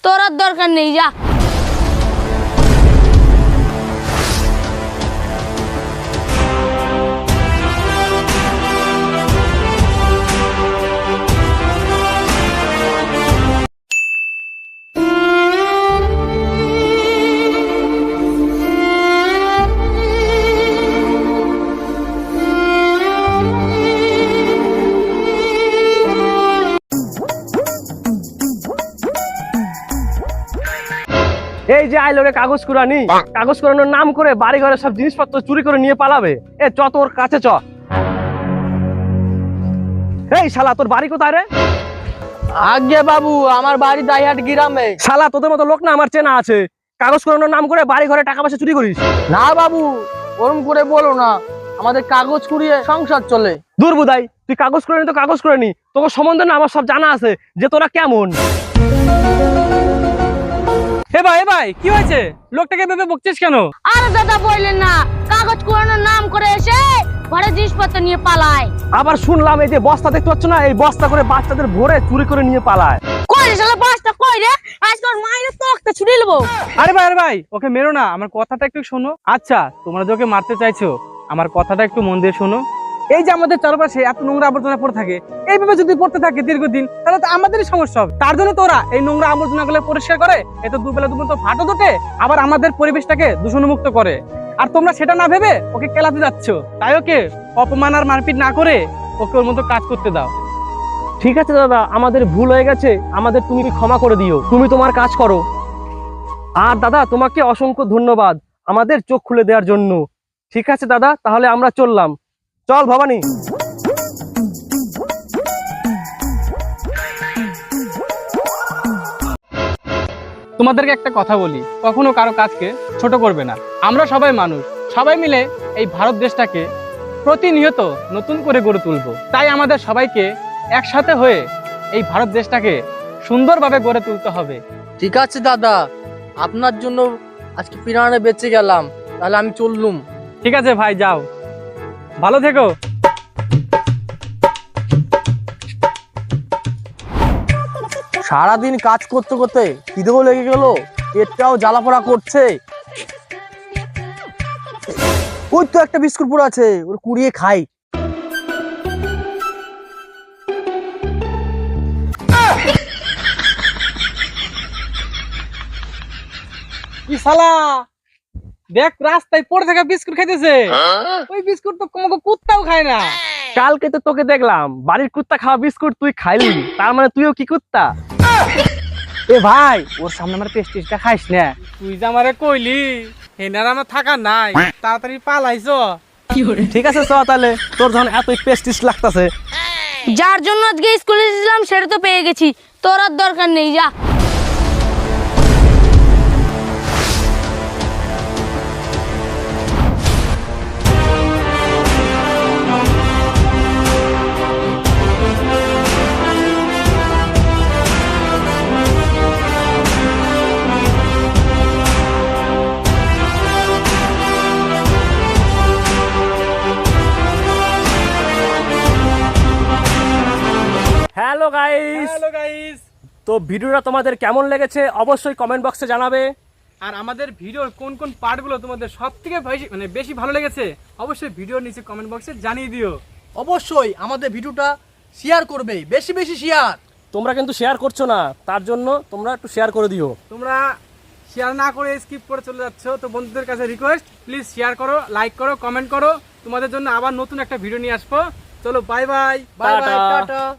তোর আর দরকার নেই, যা। এই যে আইলো রে কাগজ কুড়ানি, কাগজ কুড়ানোর নাম করে বাড়ি ঘরে সব জিনিসপত্র চুরি করে নিয়ে পালাবে। এ চ তোর কাছে চ। এই শালা তোর বাড়ি কোথায় রে? আগে বাবু, আমার বাড়ি দাইহাট গ্রামে। শালা তোদের মতো লোক না আমার চেনা আছে, কাগজ কুড়ানোর নাম করে বাড়ি ঘরে টাকা পয়সা চুরি করিস? না বাবু, ওরম করে বলো না, আমাদের কাগজ কুড়িয়ে সংসার চলে। দূর বুদাই, তুই কাগজ কুড়ানি তো কাগজ কুড়ানি, তোকে সম্বন্ধে না আমার সব জানা আছে যে তোরা কেমন। এ ভাই কি হয়েছে? লোকটাকে ভেবে বকছিস কেন? আরে দাদা বললেন না, কাগজ কুড়ানোর নাম করে এসে ঘরে জিনিসপত্র নিয়ে পালায়। আবার শুনলাম এই যে বস্তা দেখতে পাচ্ছ না, এই বস্তা করে বাচ্চাদের ভরে চুরি করে নিয়ে পালায়। কই রে শালা, বাসটা কই রে? আজকাল মাইরে তোকে ছুড়ে নেবো। আরে ভাই ওকে মেরো না, আমার কথাটা একটু শোনো। আচ্ছা, তোমরা যে ওকে মারতে চাইছো, আমার কথাটা একটু মন দিয়ে শোনো। এই যে আমাদের চারপাশে এত নোংরা আবর্জনা পড়ে থাকে, এইভাবে যদি পড়তে থাকে দীর্ঘদিন, তাহলে তো আমাদেরই সমস্যা হবে। তার জন্য তোরা এই নোংরা আবর্জনা গুলো পরিষ্কার করে, এত দুবেলা দুপুর তো ফাটো দোটে, আবার আমাদের পরিবেশটাকে দূষণমুক্ত করে। আর তোমরা সেটা না ভেবে ওকে কেলাতে যাচ্ছ। তাই ওকে অপমান আর মারপিট না করে ওকে ওর মতো কাজ করতে দাও। ঠিক আছে দাদা, আমাদের ভুল হয়ে গেছে, আমাদের তুমি ক্ষমা করে দিও, তুমি তোমার কাজ করো। আর দাদা তোমাকে অসংখ্য ধন্যবাদ আমাদের চোখ খুলে দেওয়ার জন্য। ঠিক আছে দাদা, তাহলে আমরা চললাম। চল ভবানী। তোমাদেরকে একটা কথা বলি, কখনো কারো কাজকে ছোট করবে না। আমরা সবাই মানুষ, সবাই মিলে এই ভারত দেশটাকে প্রতিনিয়ত নতুন করে গড়ে তুলবো। তাই আমাদের সবাইকে একসাথে হয়ে এই ভারত দেশটাকে সুন্দরভাবে গড়ে তুলতে হবে। ঠিক আছে দাদা, আপনার জন্য আজকে পিরানে বেঁচে গেলাম, তাহলে আমি চললুম। ঠিক আছে ভাই, যাও, ভালো থেকো। সারাদিন কাজ করতে করতে খিদেও লেগে গেল, পেটটাও জ্বালাপোড়া করছে। ওই তো একটা বিস্কুট পুরো আছে, ওর কুড়িয়ে খাই। কি শালা, দেখ রাস্তায় পড়ে থাকা বিস্কুট খাইতেছে। ওই বিস্কুট তো কোনো কুত্তাও খায় না। কালকে তো তোকে দেখলাম বাড়ির কুত্তা খাওয়া বিস্কুট তুই খাইলি, তার মানে তুইও কি কুত্তা? এ ভাই, ওর সামনে আমার পেস্টিসটা খাইস না। তুই যে আমারে কইলি হেনার আমার থাকা নাই, তাড়াতাড়ি পালাইছো। ঠিক আছে চ তাহলে, তোর যখন এত পেস্টিস লাগতাছে। যার জন্য আজকে স্কুলে এসেছিলাম সেটা তো পেয়ে গেছি, তোর আর দরকার নেই, যা। হ্যালো গাইস, হ্যালো গাইস, তো ভিডিওটা তোমাদের কেমন লেগেছে অবশ্যই কমেন্ট বক্সে জানাবে। আর আমাদের ভিডিওর কোন কোন পার্টগুলো তোমাদের সবথেকে বেশি ভালো লেগেছে অবশ্যই ভিডিওর নিচে কমেন্ট বক্সে জানিয়ে দিও। অবশ্যই আমাদের ভিডিওটা শেয়ার করবে, বেশি বেশি শেয়ার। তোমরা কিন্তু শেয়ার করছো না, তার জন্য তোমরা একটু শেয়ার করে দিও। তোমরা শেয়ার না করে স্কিপ করে চলে যাচ্ছ, তো বন্ধুদের কাছে রিকোয়েস্ট, প্লিজ শেয়ার করো, লাইক করো, কমেন্ট করো। তোমাদের জন্য আবার নতুন একটা ভিডিও নিয়ে আসবো। চলো, বাই বাই। বাই বাই, টাটা। টাটা।